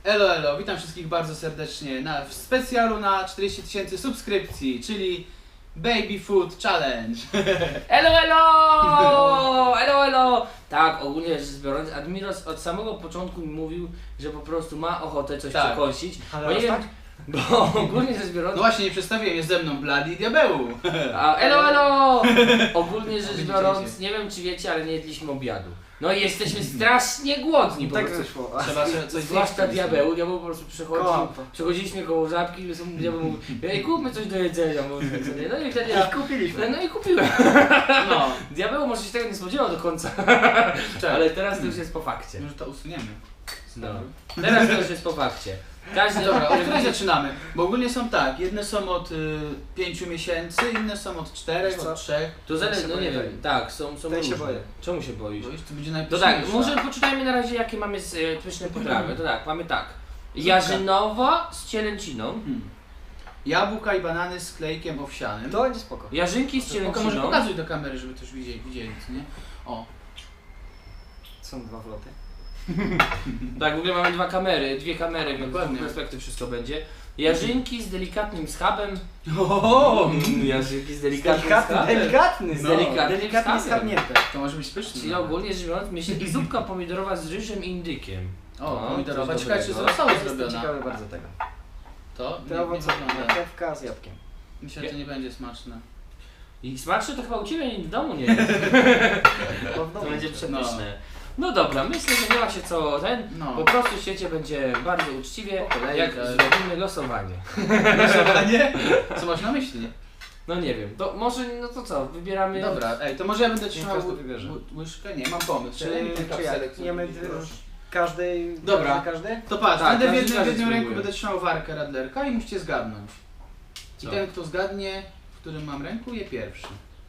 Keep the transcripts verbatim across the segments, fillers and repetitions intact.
Elo, elo, witam wszystkich bardzo serdecznie na, w specjalu na czterdzieści tysięcy subskrypcji, czyli Baby Food Challenge. Elo, elo! Elo, elo! Tak, ogólnie rzecz biorąc, Admiros od samego początku mi mówił, że po prostu ma ochotę coś Tak. przekąsić. Ale Bo nie aż wiem, tak? bo ogólnie rzecz biorąc... No właśnie, nie przedstawiłem, jest ze mną Blady i Diabeł. A, elo, elo! Ogólnie rzecz Widzicie biorąc, się. nie wiem czy wiecie, ale nie jedliśmy obiadu. No i jesteśmy strasznie głodni po Tak prostu. wyszło. Trzeba sobie coś Zwłaszcza zjeść. Diabeł, Diabeł po prostu przychodził, Kłamstwo. przechodziliśmy koło żabki i Diabeł mówił, ej, kupmy coś do jedzenia, mówię sobie. No i wtedy Ja ja... kupiliśmy. No i kupiłem. No, Diabeł może się tego nie spodziewał do końca, czekaj, ale teraz to już jest po fakcie. może to usuniemy. No. Teraz to już jest po fakcie. Każdy Dobra, od której zaczynamy? Bo ogólnie są tak, jedne są od y, pięciu miesięcy, inne są od czterech, Wiesz co? od trzech. To zależy, się no nie boję. wiem, tak, są, są Tej się różne. boję. Czemu się boisz? Bo już to będzie To najpyszniejsza. tak, może poczytajmy na razie jakie mamy e, pyszne potrawy. To tak, mamy tak. Jarzynowa z cielęciną. Hmm. Jabłka i banany z klejkiem owsianym. To będzie spoko. Jarzynki z Tylko może cielęciną. pokazuj do kamery, żeby też widzieli, widzieli, co nie? O. Są dwa wloty. Tak, w ogóle mamy dwa kamery, dwie kamery, więc z Dokładnie. dwóch perspektyw wszystko będzie. Jarzynki z delikatnym schabem. O, Mm, Jarzynki z delikatnym Delikatny, schabem. delikatny. Z no. delikatnym Delikatnie schabem. schabnięte. to może być pyszne. Czyli ogólnie rzecz biorąc, myślę, i zupka pomidorowa z ryżem i indykiem. O, No, pomidorowa. coś Ciekawe, czy dobrego. została Jestem zrobiona. ciekawy bardzo tego. To? Te Nie, owoce, nie wygląda. marchewka z jabłkiem. Myślę, że to nie będzie smaczne. I smaczne to chyba u Ciebie w domu nie jest. Bo w To domu będzie jest. przepyszne. No dobra, myślę, że nie ma się co ten. No. Po prostu w świecie będzie bardzo uczciwie, Po kolei, jak tak. zrobimy losowanie. Losowanie? Co masz na myśli? No nie wiem, to może, no to co, wybieramy... Dobra, ej, to może ja będę trzymał każdy ły- wybierze. ły- łyżkę? Nie, mam pomysł. Czy, Daj mi ten czy kapselek, jak? co Jemy będzie, d- proszę. każdej... Dobra. Każdy? To patrz, Tak, będę w każdy jednym, w każdy jednym ręku spróbuje. będę trzymał warkę radlerka i musicie zgadnąć. I Co? ten, kto zgadnie, w którym mam ręku, je pierwszy.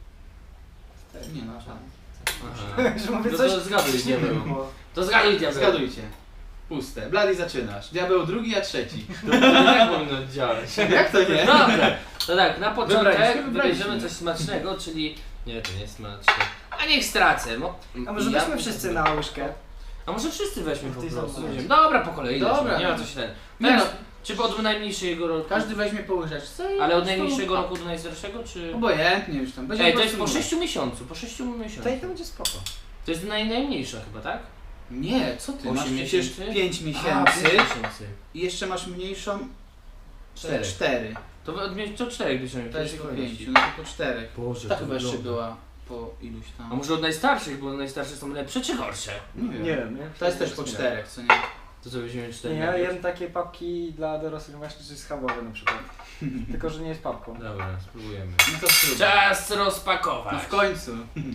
Nie no, żadne. Aha. Że mówię No coś... to zgaduj, coś nie diabeł. było. To zgaduj, diabeł. Zgadujcie. Puste. Blady zaczynasz. Diabeł drugi, a trzeci. To nie powinno działać. Jak to nie? Dobra, to tak, na Wybraliśmy, początek wybraliśmy. wybierzemy coś smacznego, czyli... Nie, to nie jest smaczne. A niech stracę, no. A może Ja- weźmy wszyscy na łyżkę? A może wszyscy weźmy po Ty prostu. zobacz. Będziemy- Dobra, po kolei. Dobra. Dobra, nie ma co się ten. Nie Teraz, no. czy od najmniejszego roku? Każdy weźmie po łyżeczce i Ale od po prostu- najmniejszego roku do najstarszego, czy... Obojętnie już tam. Będzie Ej, po to jest po prostu sześciu miesiącu, po sześciu To i miesiącach. to będzie spoko. To jest naj, najmniejsza chyba, tak? Nie, co ty? Osiem Masz przecież miesięcy? pięć A, miesięcy pięć miesięcy. i jeszcze masz mniejszą Cztery. cztery. To od mie- to czterech bierzemy. To jest po kolejności. pięciu, no to po czterech. Boże, Ta to chyba jeszcze wygląda. była po iluś A tam. może od najstarszych, bo najstarsze są lepsze czy gorsze? Nie wiem. Nie wiem, nie? To jest też po czterech, co nie? To co weźmiemy cztery? Nie, ja najpierw? jem takie papki dla dorosłych właśnie, czy schabowe na przykład. Tylko, że nie jest papką. Dobra, spróbujemy. No to trudno. Czas No rozpakować. w końcu.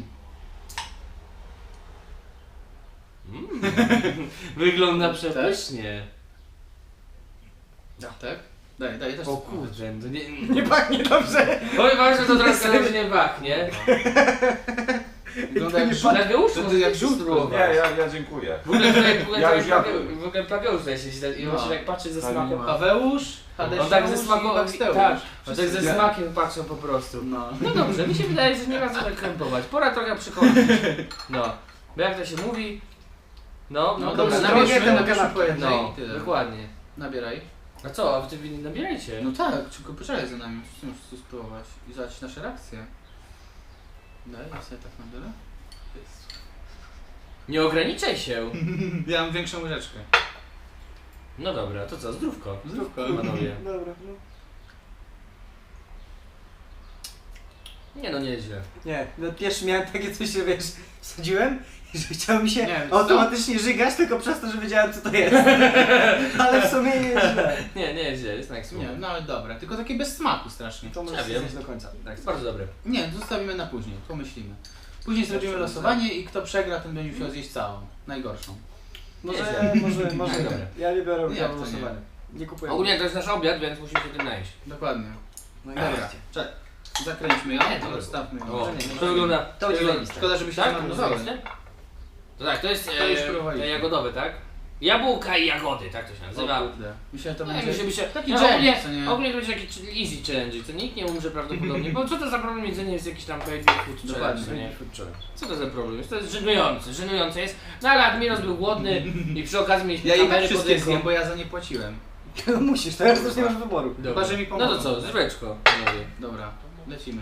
Mm. Wygląda przepysznie. Tak? Daj, daj, też O spróbuję. kurde, to nie... Nie pachnie dobrze! Powiem wam, że to trochę różnie pachnie. Wygląda jak nie żółt. Plageusz, To ty może jak też żółt spróbować. Nie, ja, ja dziękuję. W ogóle tutaj, w ogóle Ja tutaj już Plageusz, jadłem. w ogóle Plageusz tutaj siedzi tak- i on się tak patrzy ze Tak, smakiem. nie Paweusz, Hadesiusz On tak ze smakiem, i Baksteusz. tak, on tak ze Wszyscy- smakiem patrzą po prostu. No. No dobrze, mi się wydaje, że nie ma co tak krępować. Pora trochę przykończyć. No, bo jak to się mówi, no, No no dobra, dobrze, nabierzmy nabierzmy na do kanapę kanapki. po jednej No, i tyle. dokładnie. Nabieraj. A co, a wy wy nie nabierajcie? No tak, tylko poczekaj za nami, chcemy tu spróbować i zobaczyć nasze reakcje. Daj, ja sobie tak nabiorę. Nie ograniczaj się. Ja mam większą łyżeczkę. No dobra, to co, zdrówko. Zdrówko. Panowie. Dobra, no. Nie no, nieźle. Nie, no pierwszy miałem takie coś, że wiesz, wsadziłem i że chciało mi się Nie, co? automatycznie żygać, tylko przez to, że wiedziałem co to jest. Ale w sumie nie jest źle. Nie, nie, źle, jest tak Nie, no ale dobra, tylko takie bez smaku strasznie. To Ja możesz wiem. zjeść do końca. Tak, jest bardzo dobre. Nie, zostawimy na później, pomyślimy. Później zrobimy losowanie i kto przegra, ten będzie musiał zjeść całą. Najgorszą. Może, Nieźle. może, może. Nie, dobra. Ja nie biorę Jak udziału to w nie? losowaniu. Nie kupuję. Ogólnie to jest nasz obiad, więc musimy się tym najeść. Dokładnie. No i Dobra, nareszcie. czekaj. Zakręćmy ją, Nie, to rozstawmy ją. O, nie, nie, to nie. wygląda... To będzie wygląda- zajebiste. Szkoda, żeby się Tak? nie To marnowały. jest, to tak, to jest To już e, próbowaliśmy. te jagodowe, tak? Jabłka i jagody, tak to się nazywa. O kurde. Myślę, że to Nie, będzie... myślę, myślę, taki no, dżem, ogólnie, co nie? ogólnie to będzie taki easy challenge, co nikt nie umrze prawdopodobnie, bo co to za problem jedzenie jest jakiś tam baby food challenge, Dokładnie. co nie? Co to za problem jest? To jest żenujące, żenujące jest, no ale Admiros był głodny i przy okazji mieliśmy Ja i tak kamery pod wszystkie ręką. zjem, bo ja za nie płaciłem. Musisz, teraz też nie masz wyboru. Dobra. Chyba, że mi No pomogą. to co, zryweczko, panowie. Dobra, lecimy.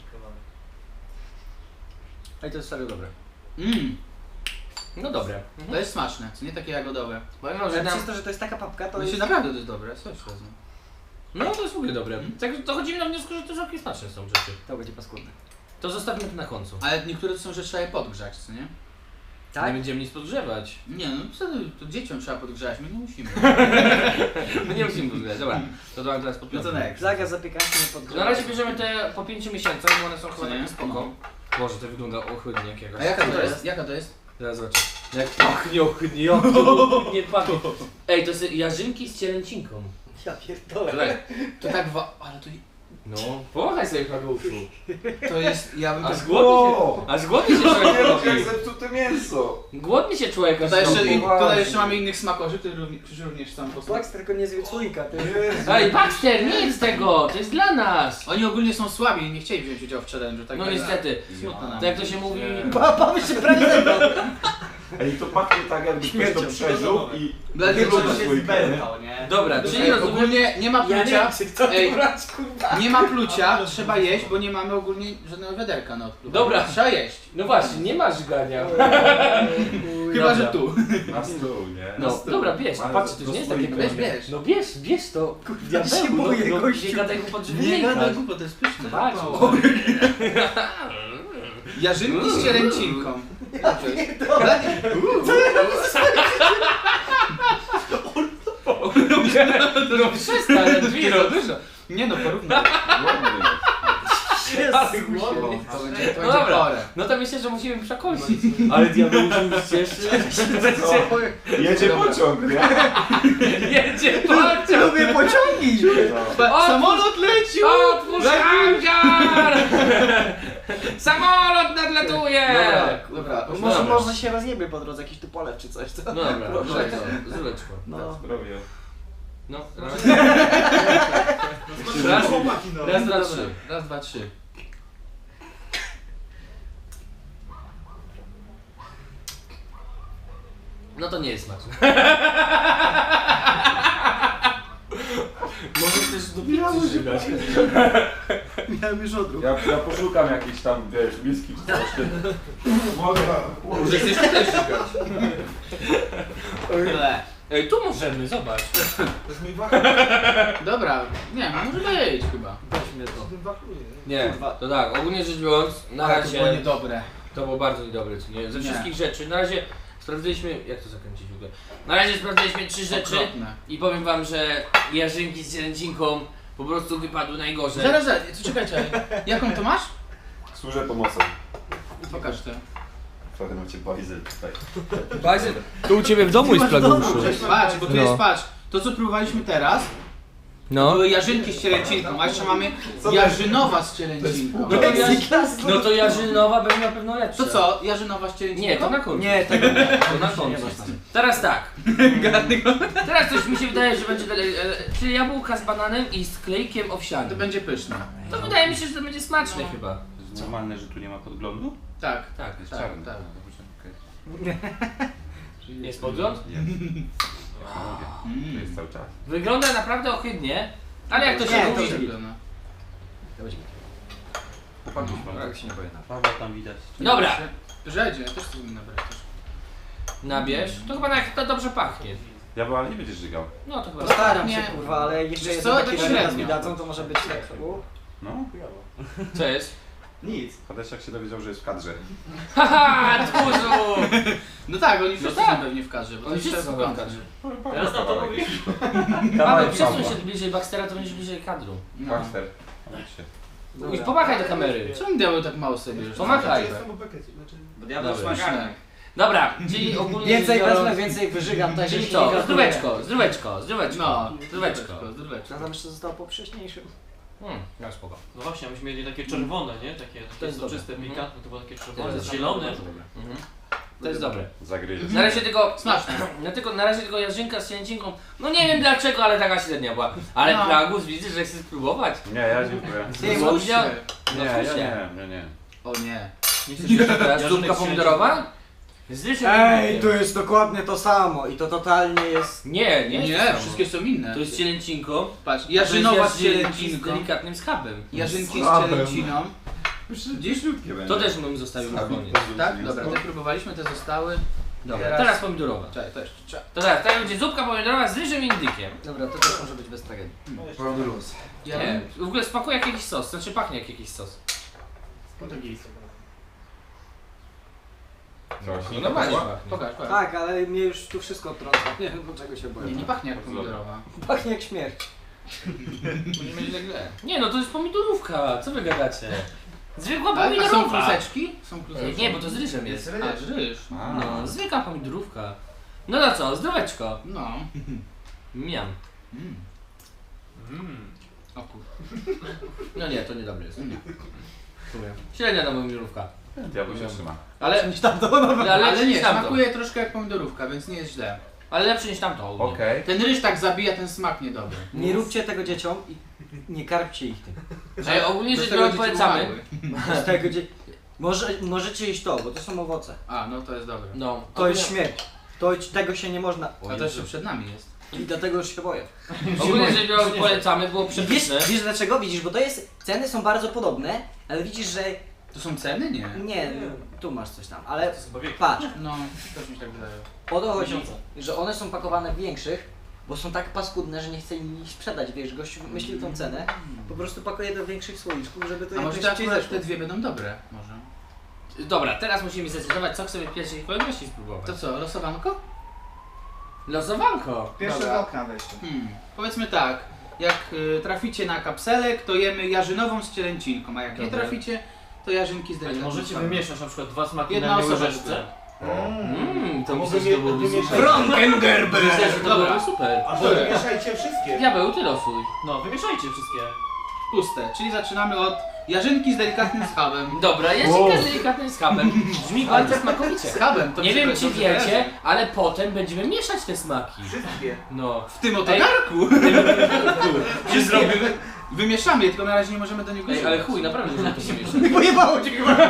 Ej, to jest serio dobre. Mmm, No dobre. to Mhm. jest smaczne, co nie takie jagodowe. Powiem wam, Ale że tam... przez to, że to jest taka papka, to To jest... się naprawdę to jest dobre, coś razem. No to jest w ogóle dobre. Tak dochodzimy do wniosku, że to całkiem smaczne są rzeczy. To będzie paskudne. To zostawmy to na końcu. Ale niektóre to są, że trzeba je podgrzać, co nie? Tak? Nie będziemy nic podgrzewać. Nie no, co ty, to dzieciom trzeba podgrzać, my nie musimy. My nie musimy podgrzać, dobra. To dam teraz No podpiąć. to next. Zakaz zapiekanki nie podgrzewa. Na razie bierzemy te po pięciu miesiącach, bo one są chyba Co nie? takie spoko. Boże, to wygląda ohydnie jak jakaś. A jaka to jest? Jaka to jest? Zaraz zobaczę. Jak pachnie ohydnie, jak to ohydnie pachnie. Ej, to są jarzynki z cielęcinką. Ja pierdolę. Tutaj. To tak wa... ale to, No, pomachaj sobie Kageuszu. to jest, ja bym... Aż głodny się, aż głodny się człowiek robi. zepsute mięso. Głodny się człowiek aż Tutaj jeszcze, robi. i, tutaj jeszcze mamy innych smakorzy, którzy również, którzy również są po Flax tylko nie zje słoika, ty. Ej, Baxter, nie jedz tego, to jest dla nas. Oni ogólnie są słabi i nie chcieli wziąć udziału w challenge'u, tak No jak- niestety. Smutno nam. Tak jak to się mówi. Papa by się prawie zebrał. Ej, to pachnie tak jakby ktoś to przeżył i... Blady, Nie to lubię się słoika. nie? Dobra, czyli Ej, rozumiem. ogólnie nie ma Ja nie plucia, wiem, czy kto Ej. to brać, kurwa. nie ma plucia, trzeba jeść, bo nie mamy ogólnie żadnego wiaderka na odpływanie. Dobra. Trzeba jeść. No właśnie, nie masz żgania. Chyba, Dobra. że tu. Na stół, nie? No, dobra, bierz, Ale patrz, to do już nie jest takie słoika. Weź, proste. bierz. No bierz, bierz to. Ja się boję, no, gościu. nie gadaj głupot, żeby Nie nie gadaj gadać. głupot, to jest pyszne. Patrz. O. Jarzynki z cielęcinką. Blady, No przestań, Admiro, dużo. nie no, porównaj. Ładny. Ale głodny. To będzie, to No będzie dobra. chore. No to myślę, że musimy przekończyć. Ale diabeł się cieszy. Jedzie Dobra. pociąg, nie? Jedzie pociąg. Lubię pociągi. Ba- O, Samolot lecił! Otwórz hangar! Samolot nadlatuje! Dobra, dobra. Może, Dobra. może się rozjebie po drodze jakiś tupolew czy coś, co? No dobra, Proszę. dobrze, zryweczko. No. Zdrowie. No, raz, raz, raz, dwa, trzy. Raz, dwa, trzy. No to nie jest smaczne. Może chcesz do pizzy żygać. Miałem już odruch. Ja, ja poszukam jakiejś tam, wiesz, whisky czy coś. Mogę. Może chcesz też szukać. Ble. Ej, tu możemy, zobacz. To jest mój wachlarz. Dobra, nie, może być chyba. Weźmy to. Nie, Kurwa. to tak, ogólnie rzecz biorąc, na Ale to było razie niedobre. to było bardzo niedobre, co nie? Ze Nie. wszystkich rzeczy, na razie sprawdziliśmy, jak to zakręcić w ogóle? Na razie sprawdziliśmy trzy rzeczy Okropne. i powiem wam, że jarzynki z cielęcinką po prostu wypadły najgorzej. Zaraz, zaraz, co, czekajcie, jaką to masz? Służę pomocą. Pokaż to. Wtedy macie bajzel tutaj. Bajzel, tu u ciebie w domu jest plageuszu. Patrz, bo tu No. jest, patrz, to co próbowaliśmy teraz, to No. były jarzynki z cielęcinką, a jeszcze mamy Co to jarzynowa z cielęcinką. No to, jarz... no to jarzynowa będzie na pewno lepsza. To co, jarzynowa z cielęcinką? Nie, to na końcu. Nie, tego nie. To na końcu. Teraz tak. Teraz coś mi się wydaje, że będzie dalej, e, czyli jabłka z bananem i z klejkiem To owsianym. będzie pyszne. To wydaje mi się, że to będzie smaczne No. chyba. To jest normalne, że tu nie ma podglądu? Tak, Tak. Jest tak, czarny. tak. Jest podgląd? Jest. To jest cały czas. Wygląda naprawdę ohydnie, ale jak to się Nie, to mówi... się- wygląda. Chłopaki śpią. Tak się nie boję. Paweł tam widać. Dobra, Żedzie, ja też chcę mi nabrać też. nabierz. To chyba jak to dobrze pachnie. Ja bo ale nie będziesz żygał. No to chyba... Postaram się, Nie. kurwa, ale jeszcze Wiesz jedno co, takie tak średnio średnio. mi dadzą, to może być tak. U, No. Co jest? Nic. Hadesiak się dowiedział, że jest w kadrze. Haha, tchórzu! No tak, oni wszyscy tak. są pewnie w kadrze, bo to Oni jest wszyscy są czas w kadrze. Teraz na to mówisz? Paweł, przesuń się bliżej Baxtera, to będziesz bliżej kadru. No. Baxter. Chodź się. I pomachaj do kamery. Czemu diabeł tak mało sobie już? Pomachaj. Bo diabeł Dobra. jest magarnek. Dobra, czyli ogólnie... Więcej rzecz biorąc- wezmę, więcej wyżygam, tak Czyli że co? nie Zdróweczko, zdróweczko, zdróweczko. No, zdróweczko. zdróweczko. Ja tam jeszcze zostało po wcześniejszym. Hmm, no spoko. No właśnie, myśmy mieli takie czerwone, nie? Takie, takie jest soczyste, dobre. pikantne, to było takie To czerwone, jest zielone. Mhm. To jest dobre. Zagryzie. Na razie tylko, Smaczne. no tylko, na razie tylko jarzynka z cielęcinką, no nie wiem dlaczego, ale taka średnia była. Ale No. Plagus widzę, że chce spróbować. Nie, ja dziękuję. Ty, No, muszę. No Nie, ja fusia. nie, nie, nie. O nie. Nie chcesz jeszcze teraz Jarzynek zupka z pomidorowa? Z ryżem Ej, i to jest dokładnie to samo i to totalnie jest... Nie, nie, Nie, jest to samo. wszystkie są inne. To jest cielęcinką. Patrz, a jarzynowa to jest z jarzynki z cielęcinką. delikatnym schabem. Jarzynki z Schabem. cielęciną. Gdzieś śrutkie będzie. To też bym zostawił na koniec. Tak? Dobra, te próbowaliśmy, te zostały. Dobra, Teraz- teraz pomidorowa. Czekaj, to jeszcze trzeba. To teraz, teraz będzie zupka pomidorowa z ryżem i indykiem. Dobra, to też może być bez tragedii. Ja Nie, w ogóle smakuje jak jakiś sos, znaczy pachnie jak jakiś sos. Coś. No normalnie pachnie. Pokaż, pokaż. Tak, ale mnie już tu wszystko trąca. Nie wiem, do czego się boję. Nie, nie pachnie jak pomidorowa. Pachnie jak śmierć. Może źle źle. Nie no, to jest pomidorówka, co wy gadacie? Zwykła A, a są pomidorówka. kluseczki? Są Nie, kluseczki. nie, bo to z ryżem jest. A, ryż. A. No, zwykła pomidorówka. No to co, zdroweczko. No. Miam. Mm. O kur... No nie, to niedobre jest. Nie. Sumie. Średnia ta pomidorówka. Diabły się trzyma. Ale, Niż tam to, no, ale Ale lepszy nie, niż tamto. smakuje troszkę jak pomidorówka, więc nie jest źle. Ale lepszy niż tamto. ogólnie. Okej. Ten ryż tak zabija ten smak niedobry. Nie róbcie tego dzieciom i nie karpcie ich tym. Ej, ogólnie Do rzecz tego biorąc dzieci polecamy. umarły. Z tego dzie... Może, możecie jeść to, bo to są owoce. A, no to jest dobre. No. To jest śmierć. To, tego się nie można... A to jeszcze przed nami jest. I dlatego już się boję. Ogólnie rzecz biorąc polecamy, było Wiesz, przepyszne. wiesz dlaczego? Widzisz, bo to jest... Ceny są bardzo podobne, ale widzisz, że... To są ceny? Nie. Nie, tu masz coś tam, ale To są powieki. patrz. No, też mi się tak wydaje. O to chodzi, Miesiące. że one są pakowane w większych, bo są tak paskudne, że nie chce im ich sprzedać, wiesz, gość myśli tą cenę, po prostu pakuje do większych słoiczków, żeby to A może jakoś te szybciej akurat zeszło. te dwie będą dobre? Może. Dobra, teraz musimy zdecydować, co chcemy w pierwszej kolejności spróbować. To co, losowanko? Losowanko. Pierwsze Dobra. z okna weźcie. Hmm. Powiedzmy tak, jak y, traficie na kapselek, to jemy jarzynową z cielęcinką, a jak nie Dobra. traficie, to jarzynki z Ale delikatnym możecie smakiem. wymieszać na przykład dwa smaki Jedna na jednej osoba łyżeczce. tylko. Mmm, to Mogę myślę, że to mie- byłoby wymieszać. super. Frankengerber! Myślę, że to Dobra. byłoby super. A to wymieszajcie wszystkie. Diabeł, ty losuj. No, wymieszajcie wszystkie. Puste, czyli zaczynamy od jarzynki z delikatnym schabem. Dobra, jarzynka z delikatnym schabem. Brzmi bardzo smakowicie. Schabem to Nie mi wiem się czy dobrze wiecie, kojarzy. ale potem będziemy mieszać te smaki. Wszystkie. No. W tym oto Ej. garku. Czy zrobimy? Wymieszamy je, tylko na razie nie możemy do niego Ej, ale chuj, naprawdę możemy to mieszać. Pojebało cię chyba!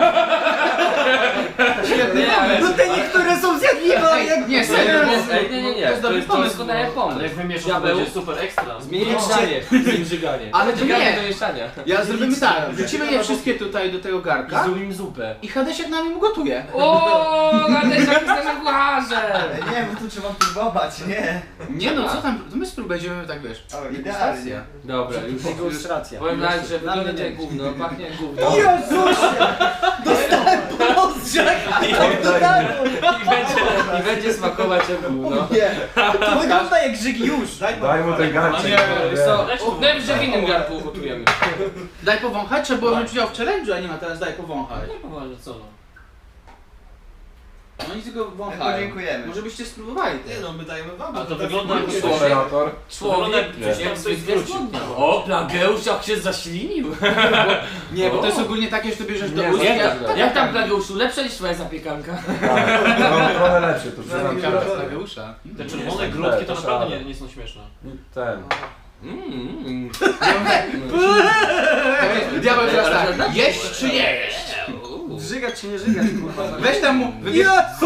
Świetny Nie, ale- No te niektóre są zjadliwe, ale jak... Nie, Ej, serio. Ej, nie, nie, nie, To jest to dobry jest pomysł. doskonały Ale pomysł. jak wymieszasz, to Diabeł. będzie super ekstra. Zmienianie, zimżyganie. Ale to Żyganie nie. do mieszania. Ja zrobimy tak, wrzucimy je wszystkie tutaj do tego I garka zrobimy zupę. i Hadesiak nam im gotuje. O, Nadeszak jest naszym kucharzem! Nie, bo tu trzeba próbować, nie. Nie no, co tam, to my spróbujemy, będziemy tak wiesz. O, Degustacja. idealnie. Dobra, już już. Ilustracja. Powiem tak, że Dla mnie wygląda nie. jak gówno, pachnie jak gówno. Jezusie! Dostałem postrzeg! Tak to tak! I będzie, i będzie smakować jak gówno. Nie, to wygląda jak żyg już! Daj mu ten garczek. Nie, Wiesz co, najwyżej w innym garnku ugotujemy. Daj powąchać, trzeba było wziąć udział w challenge'u, a nie ma teraz daj powąchać. Nie powoli, co no. No oni tylko My wąchają. podziękujemy. Może byście spróbowali. Nie no, my dajemy wam. Ale to wygląda jak coś Operator. Człowiek jak jak coś zwykle zwrócił. zgłodniał. O, Plageusz jak się zaślinił. Nie, bo to jest O. ogólnie takie, że to bierzesz do Nie, ust. Jak, ja- tam- jak tam Plageuszu, lepsza niż twoja zapiekanka? Tak, no, trochę lepszy, to przyznam Zapiekanka się. z Tadeusza. Te Nie, czerwone nie, grudki to nie, naprawdę nie. nie, nie są śmieszne. Ten. Mmm. Diabeł teraz tak, jeść czy nie jeść? Żygać czy nie żygać, kurwa? Weź tam mu, wybierz...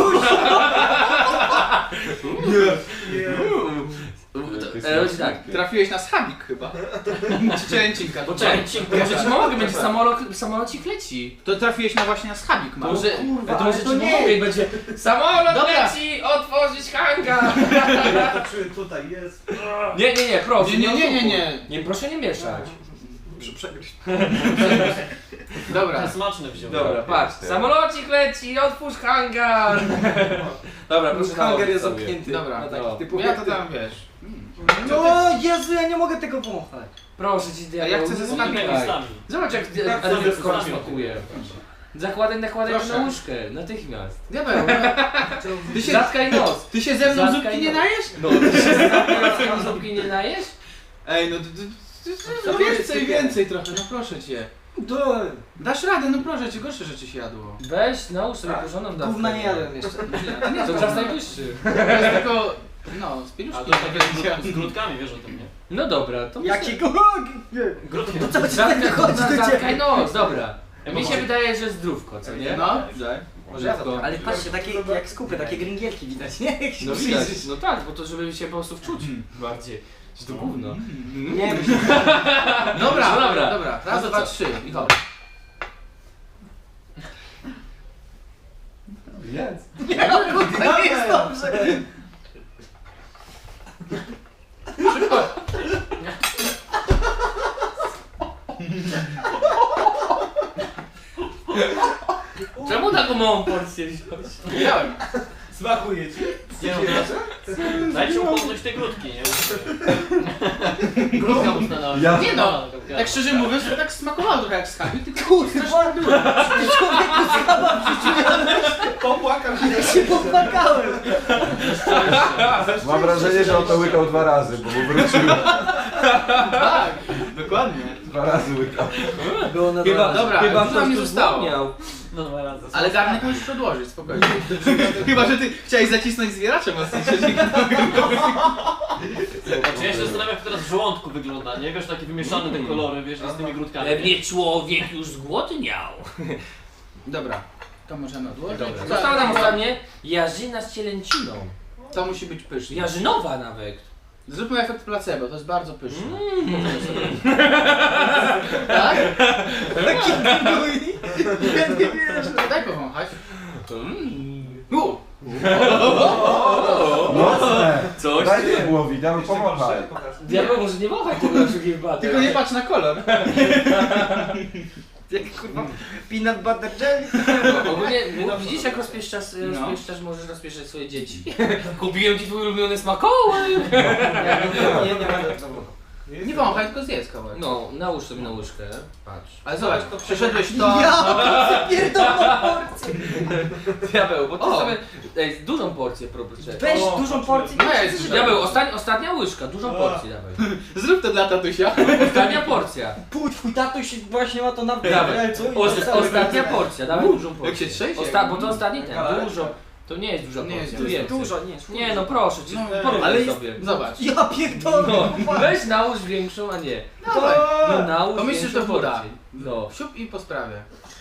Robić tak. Trafiłeś na schabik chyba. Czy cielęcinka? Poczekaj, może ci pomogę, będzie samolot, samolocik leci. To trafiłeś na właśnie na schabik, To masz. może, kurwa, to może ale ci to nie. pomogę i będzie samolot Dobra. leci, otworzyć hangar. Ja to czuję, tutaj jest. Nie, nie, nie, proszę. Nie, nie, nie, nie, nie. Nie, proszę nie mieszać. Przegryźć. Dobra. Ten smaczny wziął. Dobra, patrz, samolocik leci, otwórz hangar. Dobra, proszę Hangar jest sobie. zamknięty. Dobra, na taki no. typu Ja to tam wiesz. No Jezu, ja nie mogę tego wąchać. Proszę ci, A ja chcę ze Z schabik. tymi listami. Zobacz jak Tak, Adrian sobie Skoro smakuje. smakuje. Zakładaj, nakładaj Proszę. na łóżkę, natychmiast. Diabeł, ty się, Zatkaj nos. ty się ze mną Zatkaj zupki nie nos. najesz? No, ty się z zupki nie najesz? Ej, no ty, ty, ty, ty, no więcej, więcej trochę, no proszę cię. Dasz radę, no proszę cię, gorsze rzeczy się jadło. Weź, nałóż sobie porządną dawkę. Gówna nie jadłem jeszcze. A nie, To czas najwyższy. To jest tylko, no, z A pieluszki. to takie z grudkami, wiesz o tym, nie? No dobra, to Jakiego? Grudki. To co ci Zatkaj, tak wychodzi do zatkaj ciebie? nos, dobra. Mi się wydaje, że zdrówko, co nie? No, daj. Zdrówko. Ale patrzcie, takie jak skupy, takie gringielki widać, nie? Jak się No widać, przyjrzysz. no tak, bo to żeby się po prostu wczuć bardziej. Że to gówno. Nie, Dobra, No dobra. dobra, dobra. Raz, No to dwa, co? trzy. Michał. Jest. to nie jest dobrze. Czemu taką małą porcję wziąłeś? Miałem. Smakuje ci? Nie no, dajcie mu poznać te grudki, nie? Grudka można na Ja- Nie no, tak szczerze mówiąc, to tak smakowało trochę jak skarbie, tylko Kurwa, człowieku skaba w życiu Popłakam się. ja się popłakałem. Mam wrażenie, że on to łykał dwa razy, bo mu wrócił. tak, dokładnie. Dwa razy łykał. Było na Chyba, Dobra, chyba dużo mi ktoś tu zostało. zapomniał. No dwa razy. Ale garnek możesz odłożyć, spokojnie. Chyba, że ty chciałeś zacisnąć zwieracze mocniej. Znaczy ja się zastanawiam, jak teraz w żołądku wygląda, nie? Wiesz, takie wymieszane te kolory, wiesz, z tymi grudkami. Pewnie człowiek już zgłodniał. Dobra, to możemy odłożyć. Dobra. To- Została nam ostatnie jarzyna z cielęciną. To musi być pyszne. Jarzynowa nawet. Zróbmy efekt placebo, to jest bardzo pyszne. Mm. Tak? Taki gnój. Ja nie wierzę. Daj powąchać. Mm. U! Mocne. Coś Daj ty. diabłowi, diabeł pomachaj. Diabeł może nie wąchać tego na wszelki wypadek. Tylko nie patrz na kolor. Jak kurwa peanut butter jelly. No, ogólnie, no, widzisz jak rozpieszczasz, No. rozpieszczasz, możesz rozpieszczać swoje dzieci. Kupiłem ci twój ulubiony smakołyk. Nie, nie będę to. Nie wąchaj, tylko zjedz kawałek. No, nałóż sobie na łyżkę. Patrz. Ale zobacz, przeszedłeś to... Ja pierdolę porcję. Diabeł, bo ty O. sobie ej, dużą porcję proszę. Weź dużą porcję. No jest. Diabeł, ostatnia, ostatnia łyżka, dużą porcję dawaj. Zrób to dla tatusia. Ostatnia porcja. Pół twój tatuś właśnie ma to na Dawaj. widelcu i Os, to cały ostatnia widelec. porcja, dawaj dużą porcję. Jak się trzęsie? Osta bo to ostatni ten, Kawałek? dużo. To nie jest duża Nie jest porcja, dużo. więcej. Dużo, nie. Nie no proszę cię, No, porównaj ale jest- sobie. Zobacz. Ja pierdolę. No, weź nałóż większą, a nie. Dawaj. No nałóż To myślisz, że większą to woda? porcję. No. Siup i po sprawie.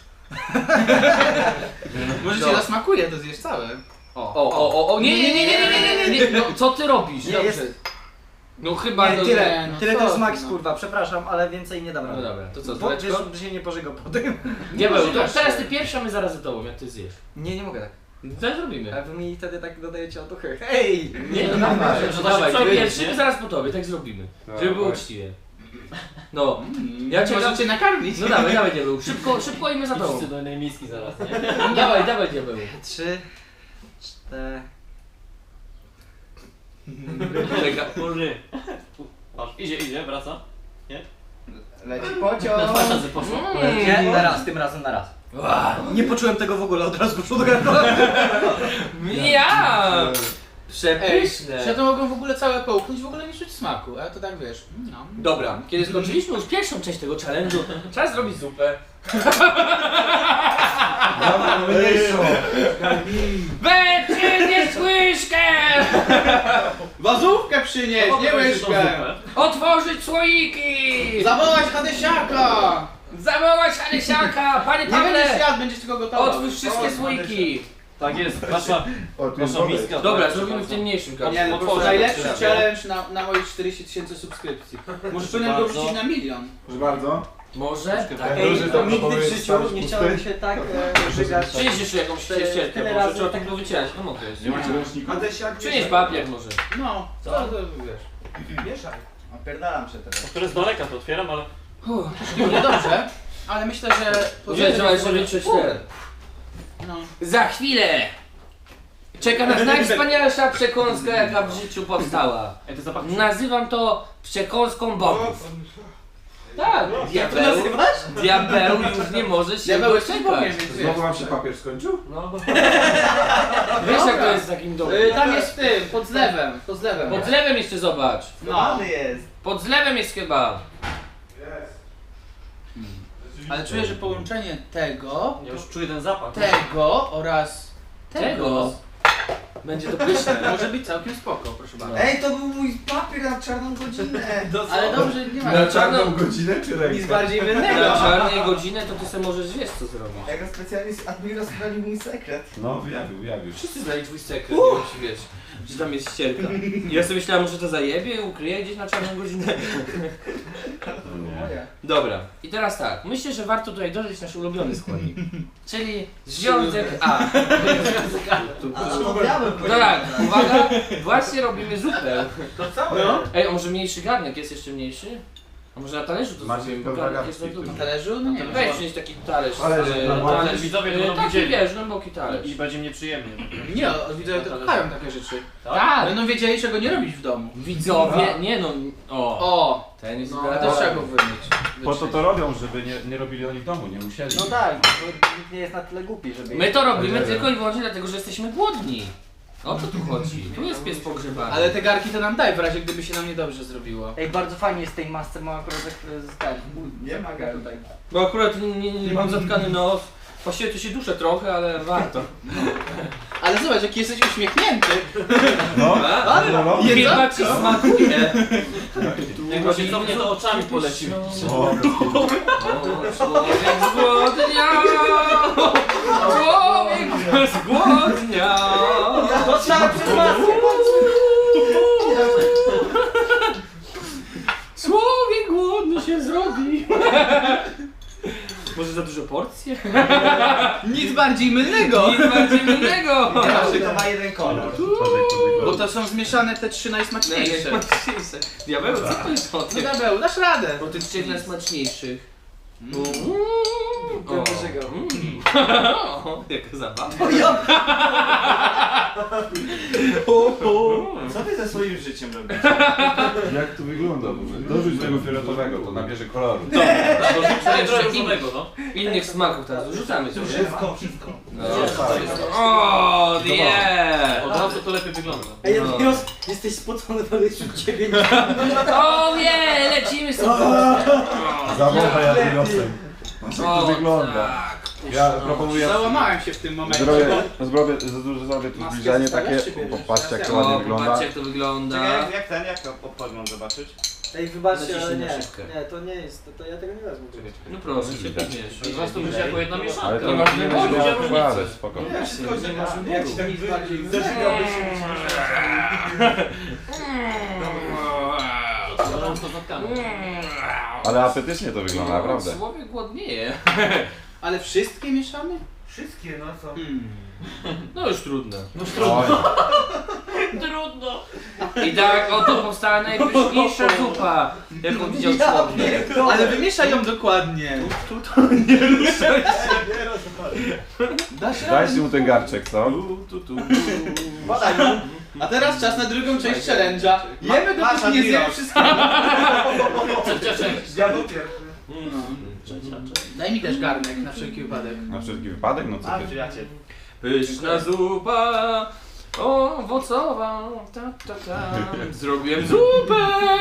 Może cię No. zasmakuje, to zjesz całe. O, o, o, o, nie, nie, nie, nie, nie, nie, nie, nie, no co ty robisz? Nie, Dobrze. jest- No chyba Nie, to... tyle, no tyle co to jest ty, max no. kurwa, przepraszam, ale więcej nie dam No rady. dobra, to co, Bo wiesz, Tureczko? że się nie pożygał potem. Diabeł, to Pożygasz teraz się. ty pierwsza, my zaraz za tobą, jak ty zjesz. Nie, nie mogę tak. Co zrobimy? Ale wy mi wtedy tak dodajecie otuchy. Hej! Nie, no dawaj, że to się dawaj, ty przebić, pierwszy, nie? my zaraz po tobie, tak zrobimy. Żeby było Dawaj. uczciwie. No, Mm, Ja cię Może dam- cię nakarmić. no dawaj, dawaj diabeł, szybko, szybko i my za tobą. Wszyscy do jednej miski zaraz, nie? Dawaj, dawaj diabeł. Trzy, cztery. Czeka. Kurry. Patrz, idzie, idzie, wraca. Leci Na pociąg. dwa razy poszło. Nie, na raz, tym razem na raz. Nie poczułem tego w ogóle, od razu poszło do gardła. Ja! Ej, Przepyszne. ja to mogą w ogóle całe połknąć, w ogóle nie czuć smaku, ale to tak wiesz. No. Dobra, kiedy skończyliśmy już pierwszą część tego challenge'u, czas zrobić zupę. Dobra, mniejszą. Będzie nie łyżkę! Wazówkę przynieś, nie łyżkę! Otworzyć słoiki! Zawołać Hadesiaka! Zawołać Alesiaka! Panie Nie będziesz Pawle! jadł, będziesz tylko gotował. Otwórz wszystkie słoiki! Tak jest, wasza, O, tu jest wasza woda. miska. Dobra, proszę zrobimy w bardzo. tym mniejszym Nie, karcie. no, to Otworzę najlepszy to challenge na, na moich czterdzieści tysięcy subskrypcji. Może powinienem go bardzo. wrzucić na milion. Proszę bardzo. Może? Tak. Ej, Ej, Duży to tam nigdy w powiedz, życiu stary, nie pusty. chciałem się tak e, żygać. Przynieś jeszcze jakąś ścierkę, Tyle bo razy trzeba tak- tak było wycierać. No mogę jest. Nie macie ręcznika? Hadesiak, Przynieś papier może. No, co to wiesz? Mieszaj. Opierdalam się teraz. Które z daleka to otwieram, ale... Nie dobrze, ale myślę, że... Gdzie trzeba jeszcze wytrzeć ten? No. Za chwilę! Czeka nas najwspanialsza przekąska, jaka w życiu powstała. Ej, to zapach... Nazywam to przekąską bogów. Tak, Jak to diabeł, nazywasz? diabeł już nie może się Diabeł jeszcze doczekać. powiem, więc wiesz. Znowu wam się papier skończył? No. Wiesz jak to jest w takim domu? Y, tam jest w tym, pod zlewem, pod zlewem. Pod zlewem jeszcze zobacz. No. jest. Pod zlewem jest chyba. Jest. Ale czuję, że połączenie tego, Ja już czuję ten zapach. tego oraz Tego. tego Będzie to pyszne. może być całkiem spoko, proszę bardzo. Ej, to był mój papier na czarną godzinę. Ale dobrze, nie ma Na czarną godzinę czy nic bardziej Na mylnego. czarnej godzinę to ty sobie możesz wiesz co zrobić. Jak specjalnie z Admiros zdradził mój sekret. No, wyjawił, wyjawił. Wszyscy znali twój sekret, nie wiem czy wiesz, że tam jest ścierka. Ja sobie myślałem, że to zajebie, ukryje gdzieś na czarną godzinę. No nie. Moja. Dobra, i teraz tak, myślę, że warto tutaj dodać nasz ulubiony składnik. Czyli związek A. A to miałem No tak, uwaga, właśnie robimy zupę. To całe. No. Ej, a może mniejszy garnek jest jeszcze mniejszy? A może na talerzu to Macie zrobimy, bo pełna garnek jest na garści, dół. Na talerzu? No nie wiem. Weź przynieść taki talerz. Talerz, e, no, talerz widzowie e, będą taki widzieli. wiesz, głęboki talerz. I będzie nieprzyjemnie. Nie, widzowie to kochają takie rzeczy. Tak, Będą wiedzieli, czego nie robić w domu. widzowie, nie no, o, O! ten jest No, idealny. też trzeba go wymyć. Po to wyczyść. to robią, żeby nie, nie robili oni w domu, nie musieli. No tak, bo nikt nie jest na tyle głupi, żeby... My to robimy Nie, nie. tylko i wyłącznie dlatego, że jesteśmy głodni. O to tu chodzi. Tu jest pies pogrzebany. Ale te garki to nam daj w razie gdyby się nam niedobrze zrobiło. Ej, bardzo fajnie jest w tej masce, mam akurat tak z ten. Nie ma Zatka tutaj. Bo akurat nie, nie, nie mam zatkany nos. Właściwie tu się duszę trochę, ale warto. Ale zobacz, jaki jesteś uśmiechnięty. No, Ale no, no. Chyba ci smakuje. Jak właśnie cofnie, to oczami poleci. O, O, człowiek zgłodniał! Człowiek zgłodniał! Dostałem przez maskę! Człowiek głodny się zrobi. Może za dużo porcji? nic bardziej mylnego. Nic bardziej mylnego! Każdy to ma jeden kolor. Bo to są zmieszane te trzy najsmaczniejsze. Najsmaczniejsze. Diabeł, co to jest o No tym? Diabeł, dasz radę. O tych trzech najsmaczniejszych. Mm. O, Pierwszego. mm. O, jaka zabawa. Co wy ze swoim życiem robicie? Jak to wygląda? Dorzuć tego fioletowego, to nabierze koloru. Dorzucę jeszcze in, różowego, no. innych smaków teraz. Dorzucamy sobie. Wszystko, wszystko. No, o, nie! Od razu to lepiej wygląda. Ej, No. Admiros, jesteś spocony, ale już ciebie nie... O nie, lecimy sobie. Zawołaj Admirosem. Jak to O, wygląda? tak. Ja No. proponuję... Załamałem się w tym momencie. Zrobię, zrobię, zrobię, zrobię tu Maskę zbliżenie zostawiasz, takie, czy bierzesz? popatrzcie jak to Teraz ładnie O, wygląda. popatrzcie jak to wygląda. Czekaj, jak, jak ten, jak to obchod mam zobaczyć? Ej, wybaczcie, ale Naciśnij na nie. szybkę. Nie, to nie jest, to, to ja tego nie wezmę. No proszę, się pewniesz. Od razu to będzie jako jedna Ale mieszanka. to Nie nie masz będzie wyboru, miała nie ma składać, różnicy. spoko. Ja wszystko nie masz źle. wyboru. Jak ci tak nic bardziej zażygałbyś się Ja mam to zatkane. Ale apetycznie to wygląda, naprawdę. Człowiek głodnieje. Ale wszystkie mieszamy? Wszystkie, no co? Hmm. No już trudno. Oj, Trudno. I tak oto powstała najpyszniejsza zupa, jaką widział człowiek. Ale wymieszaj ją dokładnie. Dasz radę. dajcie mu ten garczek, co? Badaj, no. A teraz czas na drugą część challenge'a. Jemy Masz, dopóki nie zjemy Admiros. wszystkiego. Trzecia część. Ja był pierwszy. Daj mi też garnek na wszelki wypadek. Na wszelki wypadek, no co A, ty? przyjaciel. Pyszna zupa, owocowa, ta ta ta. Zrobiłem zupę.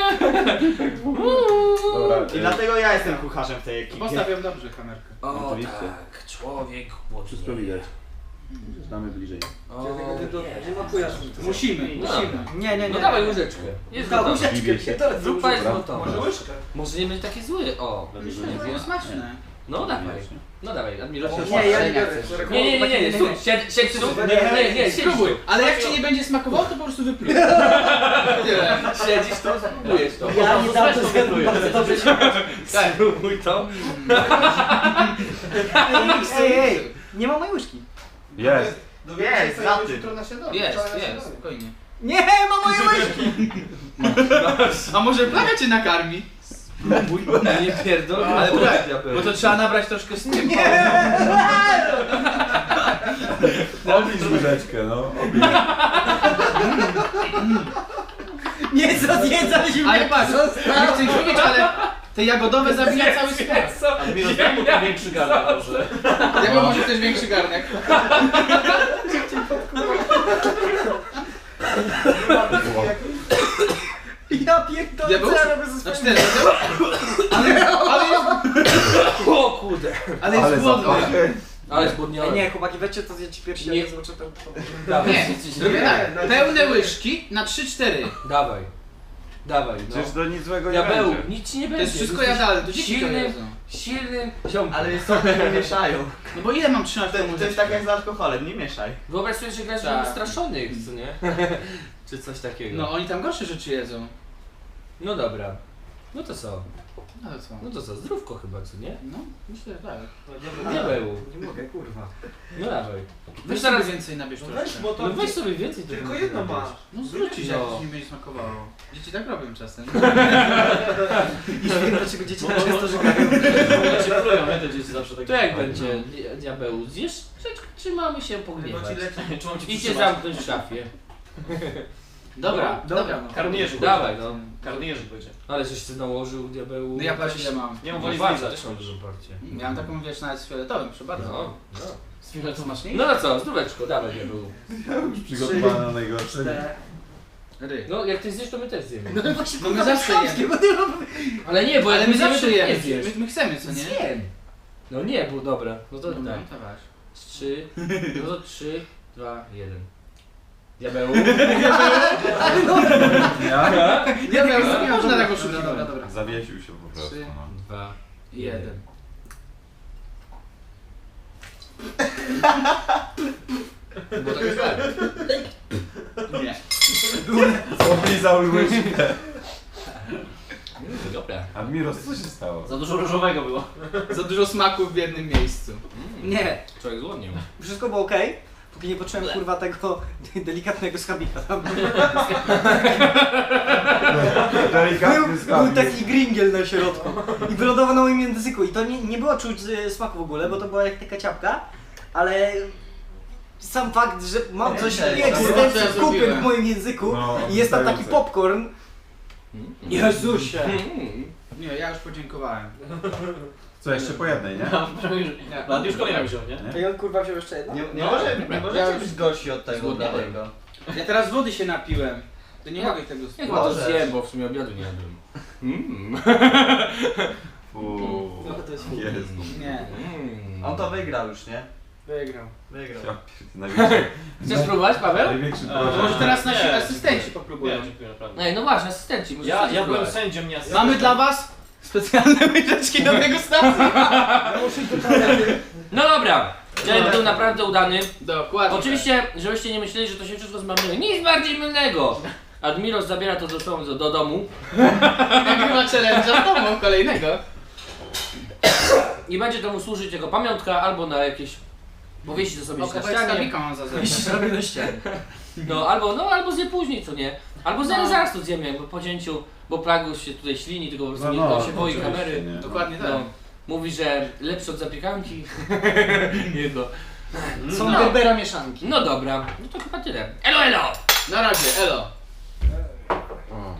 Dobra, I e, dlatego ja jestem kucharzem w tej ekipie. Postawiam dobrze kamerkę. O Oczywiście. tak, człowiek Wszystko głodny. widać. Znamy bliżej. O, Nie makujesz mi. Musimy, No. musimy. Nie, nie, nie. no dawaj łyżeczkę. Jest No, gotowa. łyżeczkę, Dziwię się. to jest Zupa jest Dobra. gotowa. Może łyżkę? Może nie będzie taki zły. O, Myślę, że to jest smaczne. no dawaj. No dawaj, Admiros. Nie, ja nie biorę. Nie, nie, nie, nie, nie, stój, siedź, siedź, tu. Nie, nie, nie, siedź Spróbuj, tu. ale jak ci nie będzie smakowało, to po prostu wypluj. Tyle. Siedzisz tu, spróbujesz to. Ja nie dam to zjadłem, bardzo dobrze się... Tak, spróbuj to. Ej, ej, nie ma mojej łyżki. Jest! Jest, za tym. Jest, jest, spokojnie. Nie, ma mojej łyżki! A może plaga cię nakarmi? Spróbuj. Nie pierdol, Ale ale tak, tak, bo to trzeba nabrać troszkę z tym. Obliż łyżeczkę, no. Obliż. Nie zjedzać już. Ale patrz, nie chcę ich mówić, ale te jagodowe zabija cały skład. Admiros, daj mu ten większy garnek może. Ja bym może też większy garnek. Ja pierdolę, Diabeł? co ja robię ze Na swoim... cztery. Ale, ale O kurde. Ale jest Ale głodny. zapachy. Ale Ej, zbudniony. nie, chłopaki, weźcie to zjecie pierwsi, Nie. ja nie zobaczę tam. Dawaj, Nie, jesteś- zrobię tak. Pełne łyżki na trzy cztery. Dawaj. Dawaj, no. Przecież to nic złego nie Diabeł, będzie. nic ci nie To będzie. jest wszystko Jesteś jadalne, to dzieci to silnym, jedzą. silnym ziomkiem. Ale sobie nie mieszają. No bo ile mam trzymać To, temu to jest tak jak z alkoholem, nie mieszaj. Wyobraź sobie, że grasz Tak. w straszonych, co nie? Czy coś takiego. No oni tam gorsze rzeczy jedzą. No dobra. No to co? No to co? No to co? Zdrówko chyba, co nie? No, myślę, że tak. Diabeł. Nie mogę, kurwa. No dawaj. Weź zaraz- sobie więcej nabierz No troszkę. weź, bo to No weź sobie więcej. to tylko będzie jedno robić. masz. No zwrócić, jak No. ci nie będzie smakowało. Dzieci tak robią czasem. Już wiem, dlaczego dzieci tak często żygają. Ja cię plują, nie? Te dzieci zawsze tak. To jak będzie, di- diabeł? Zjesz? Czy, czy mamy się pogniewać? Czy mam cię Idźcie przytrzymać? zamknąć w szafie. Dobra, Dobra, dobra. no. Karnierzyk. Dawaj no. Karnierzyk będzie. Ale żeś ty nałożył, diabeł. No ja patrz ile mam. Nie mam No woli patrz, zlizać. też mam dużo parcie. Miałem taką, wiesz, nawet z fioletowym, proszę bardzo. No, no. Z fioletową masz nie? No no co, zdróweczko, dawaj diabeł. Ja już przygotowany na najgorsze. Ry. No jak ty zjesz, to my też zjemy. No właśnie, No my kurwa, zawsze chamskie, jemy. bo nie mam... Ale nie, bo Ale jak my zjemy, zawsze to ty jemy. nie zjesz. My, my chcemy, co nie? Zjem. No nie, bo dobra. No to No, tak. no, to weź. Z trzy, no to trzy, dwa, jeden. Diabeł. Ja? Nie wiem, nie można dobra, tego szukać. dobra, Dobra, dobra. Zawiesił się po prostu. Trzy. No. Dwa, Jeden. Bo tak jest tak. Nie. Oblizał łyżkę. Dobra. Admiros, co się stało? Za dużo różowego było. Za dużo smaków w jednym miejscu. Nie, Człowiek złodnił. wszystko było okej, póki nie poczułem kurwa tego delikatnego schabika tam. Delikatny Był, był skarbnik. taki gringiel na środku i wylądował na moim języku i to nie, nie było czuć e, smaku w ogóle, bo to była jak taka ciapka, ale sam fakt, że mam coś Ej, jak dobra, z co ja kupy zrobiłem? w moim języku No, i jest tam taki wystające. popcorn. Jezusie! Nie, ja już podziękowałem. Co, jeszcze po jednej, nie? Lat już kolejna wziął, nie? I on kurwa wziął jeszcze jedno? Nie, nie, No, może, dobra. nie możecie być gorsi od tego Zgłodniałem. bladego. Ja teraz wody się napiłem. To nie Ja- mogę tego Ja spróbować. chyba to Możesz. zjem, bo w sumie obiadu nie jadłem. Mm. Uuu. No to jest Jezu. Nie. Mm. On to wygrał już, nie? Wygrał. Wygrał. Ja pierd- największy, Chcesz próbować, Paweł? największy A, To może porażek. teraz nasi Nie, asystenci dziękuję. popróbują. Nie, dziękuję naprawdę. Ej, no właśnie, asystenci. możesz Ja, też ja byłem próbować. sędzią, nie asystentem. Mamy dla was specjalne łyżeczki do tego stacji. No dobra. Dzień był naprawdę udany. Dokładnie. Oczywiście, żebyście nie myśleli, że to się wszystko zmarnuje. Nic bardziej mylnego. Admiros zabiera to do, do, do domu tak. Nagrywa challenge'a z domą kolejnego. i będzie to mu służyć jako pamiątka albo na jakieś... Powiesi to sobie O, gdzieś na kawałek ścianie. skarbika mam za zębem. Zrobię na ścianie. No albo, no albo zje później, co nie? Albo zaraz, No. zaraz to zjemy, jakby po cięciu, bo Plagus się tutaj ślini, tylko po prostu No, nie, no, on się boi oczywiście, kamery. nie. Dokładnie tak. No. Mówi, że lepszy od zapiekanki. nie no. Są No. Gerbera mieszanki. No dobra, no to chyba tyle. Elo, elo! Na razie, elo.